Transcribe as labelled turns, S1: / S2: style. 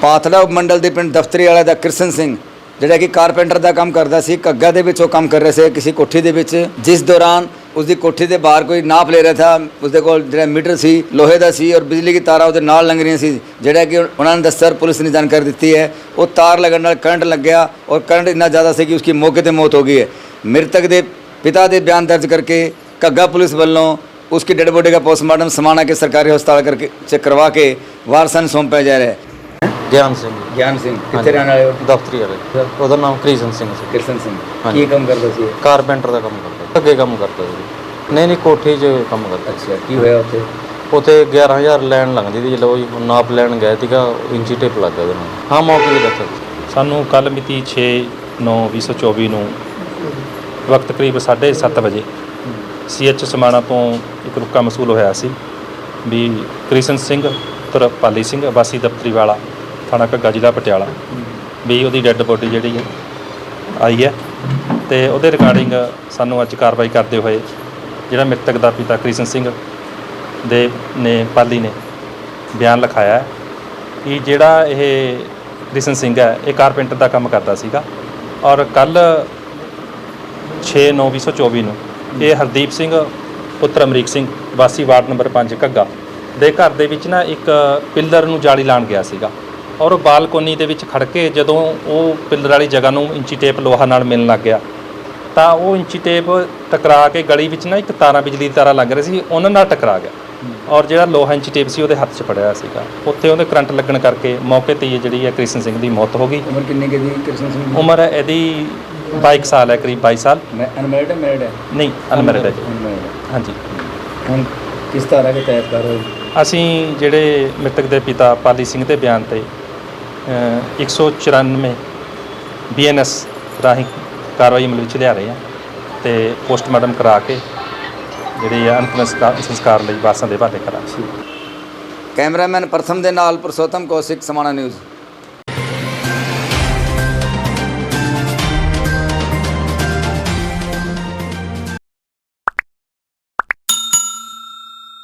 S1: ਪਾਤਲਾ ਉਪਮੰਡਲ ਦੇ ਪਿੰਡ ਦਫਤਰੀ ਵਾਲਾ ਦਾ ਕ੍ਰਿਸ਼ਨ ਸਿੰਘ ਜਿਹੜਾ ਕਿ ਕਾਰਪੈਂਟਰ ਦਾ ਕੰਮ ਕਰਦਾ ਸੀ। ਘੱਗਾ ਦੇ ਵਿੱਚ ਉਹ ਕੰਮ ਕਰ ਰਹੇ ਸੀ ਕਿਸੇ ਕੋਠੀ ਦੇ ਵਿੱਚ, ਜਿਸ ਦੌਰਾਨ उसकी कोठी के बाहर कोई नाप ले रहा था। उसके कोल जो मीटर सी लोहे का सी और बिजली की तारा उसके नाल लंघ रही सी, जोड़ा कि उन्होंने दस्या पुलिस ने जानकारी दी है। वो तार लगने करंट लग गया और करंट इतना ज़्यादा से कि उसकी मौके पर मौत हो गई है। मृतक के पिता के बयान दर्ज करके घग्गा पुलिस वालों उसकी डेड बॉडी का पोस्टमार्टम समाना के सरकारी हस्पताल करके चेक करवा के वारसां नूं सौंपया जा रहा है।
S2: ਗਿਆਨ ਸਿੰਘ
S1: कितने रहने वाले हो?
S2: ਦਫ਼ਤਰੀ ਵਾਲੇ। ਉਹਦਾ ਨਾਮ ਕ੍ਰਿਸ਼ਨ ਸਿੰਘ ਸੀ।
S1: कृष्ण सिंह की काम करता सी?
S2: ਕਾਰਪੈਂਟਰ ਦਾ ਕੰਮ ਕਰਦਾ, ਅੱਗੇ ਕੰਮ ਕਰਦਾ ਸੀ। ਨਹੀਂ ਕੋਠੀ 'ਚ ਕੰਮ ਕਰਦਾ।
S1: अच्छा, की होया उत्थे?
S2: ਉੱਥੇ 11,000 ਲੈਣ ਲੰਘਦੀ ਸੀ। ਜਦੋਂ ਉਹ ਨਾਪ ਲੈਣ ਗਏ ਸੀਗਾ, ਇੰਚੀ ਟੇਪ ਲੱਗ ਗਿਆ ਉਹਦੇ ਨਾਲ। ਹਾਂ, ਮੌਕੇ 'ਤੇ ਦੱਸਿਆ
S3: ਸਾਨੂੰ ਕੱਲ੍ਹ ਮਿਤੀ 6/9/2024 ਨੂੰ ਵਕਤ ਕਰੀਬ 7:30 ਵਜੇ CH ਸਮਾਣਾ ਤੋਂ ਇੱਕ ਰੁਕਾ ਮਸੂਲ ਹੋਇਆ ਸੀ ਵੀ ਕ੍ਰਿਸ਼ਨ ਸਿੰਘ ਪੁੱਤਰ ਪਾਲੀ ਸਿੰਘ ਵਾਸੀ ਦਫ਼ਤਰੀ ਵਾਲਾ ਥਾਣਾ ਘੱਗਾ ਜ਼ਿਲ੍ਹਾ ਪਟਿਆਲਾ ਵੀ ਉਹਦੀ ਡੈੱਡ ਬੋਡੀ ਜਿਹੜੀ ਹੈ ਆਈ ਹੈ। ਅਤੇ ਉਹਦੇ ਰਿਗਾਰਡਿੰਗ ਸਾਨੂੰ ਅੱਜ ਕਾਰਵਾਈ ਕਰਦੇ ਹੋਏ ਜਿਹੜਾ ਮ੍ਰਿਤਕ ਦਾ ਪਿਤਾ ਕ੍ਰਿਸ਼ਨ ਸਿੰਘ ਦੇ ਨੇ ਪਾਲੀ ਨੇ ਬਿਆਨ ਲਿਖਾਇਆ ਹੈ ਕਿ ਜਿਹੜਾ ਇਹ ਕ੍ਰਿਸ਼ਨ ਸਿੰਘ ਹੈ ਇਹ ਕਾਰਪੈਂਟਰ ਦਾ ਕੰਮ ਕਰਦਾ ਸੀਗਾ ਔਰ ਕੱਲ੍ਹ 6/9/2024 ਨੂੰ ਇਹ ਹਰਦੀਪ ਸਿੰਘ ਪੁੱਤਰ ਅਮਰੀਕ ਸਿੰਘ ਵਾਸੀ ਵਾਰਡ ਨੰਬਰ 5 ਘੱਗਾ ਦੇ ਘਰ ਦੇ ਵਿੱਚ ਨਾ ਇੱਕ ਪਿੱਲਰ ਨੂੰ ਜਾਲੀ ਲਾਉਣ ਗਿਆ ਸੀਗਾ ਔਰ ਉਹ ਬਾਲਕੋਨੀ ਦੇ ਵਿੱਚ ਖੜ੍ਹ ਕੇ ਜਦੋਂ ਉਹ ਪਿੱਲਰ ਵਾਲੀ ਜਗ੍ਹਾ ਨੂੰ ਇੰਚੀ ਟੇਪ ਲੋਹਾ ਨਾਲ ਮਿਲਣ ਲੱਗ ਗਿਆ ਤਾਂ ਉਹ ਇੰਚੀ ਟੇਪ ਟਕਰਾ ਕੇ ਗਲੀ ਵਿੱਚ ਨਾ ਇੱਕ ਤਾਰਾਂ ਬਿਜਲੀ ਦੀ ਤਾਰਾਂ ਲੱਗ ਰਹੀ ਸੀ, ਉਹਨਾਂ ਨਾਲ ਟਕਰਾ ਗਿਆ ਔਰ ਜਿਹੜਾ ਲੋਹਾ ਇੰਚੀ ਟੇਪ ਸੀ ਉਹਦੇ ਹੱਥ 'ਚ ਫੜਿਆ ਸੀਗਾ। ਉੱਥੇ ਉਹਦੇ ਕਰੰਟ ਲੱਗਣ ਕਰਕੇ ਮੌਕੇ 'ਤੇ ਹੀ ਜਿਹੜੀ ਹੈ ਕ੍ਰਿਸ਼ਨ ਸਿੰਘ ਦੀ ਮੌਤ ਹੋ ਗਈ।
S1: ਉਮਰ ਕਿੰਨੀ ਕੁ ਦੀ ਕ੍ਰਿਸ਼ਨ ਸਿੰਘ ਦੀ?
S3: ਉਮਰ ਇਹਦੀ 22 ਸਾਲ ਹੈ, ਕਰੀਬ 22 ਸਾਲ।
S1: ਅਨਮੈਰਿਡ ਹੈ? ਮੈਰਿਡ ਹੈ?
S3: ਨਹੀਂ, ਅਨਮੈਰਿਡ ਹੈ ਜੀ। ਹਾਂਜੀ।
S1: ਹੁਣ ਕਿਸ ਤਰ੍ਹਾਂ ਦੇ ਤਹਿਤ ਕਾਰਵਾਈ?
S3: ਅਸੀਂ ਜਿਹੜੇ ਮ੍ਰਿਤਕ ਦੇ ਪਿਤਾ ਪਾਲੀ ਸਿੰਘ ਦੇ ਬਿਆਨ 'ਤੇ 194 BNS ਰਾਹੀਂ ਕਾਰਵਾਈ ਅਮਲ ਵਿੱਚ ਲਿਆ ਰਹੇ ਹਾਂ ਅਤੇ ਪੋਸਟਮਾਰਟਮ ਕਰਾ ਕੇ ਜਿਹੜੀ ਹੈ ਅੰਤਿਮ ਸੰਸਕਾਰ ਲਈ ਵਾਰਸਾਂ ਦੇ ਹਵਾਲੇ ਕਰਾਂਗੇ।
S1: ਕੈਮਰਾਮੈਨ ਪ੍ਰਥਮ ਦੇ ਨਾਲ ਪੁਰਸ਼ੋਤਮ ਕੌਸ਼ਿਕ, ਸਮਾਣਾ ਨਿਊਜ਼।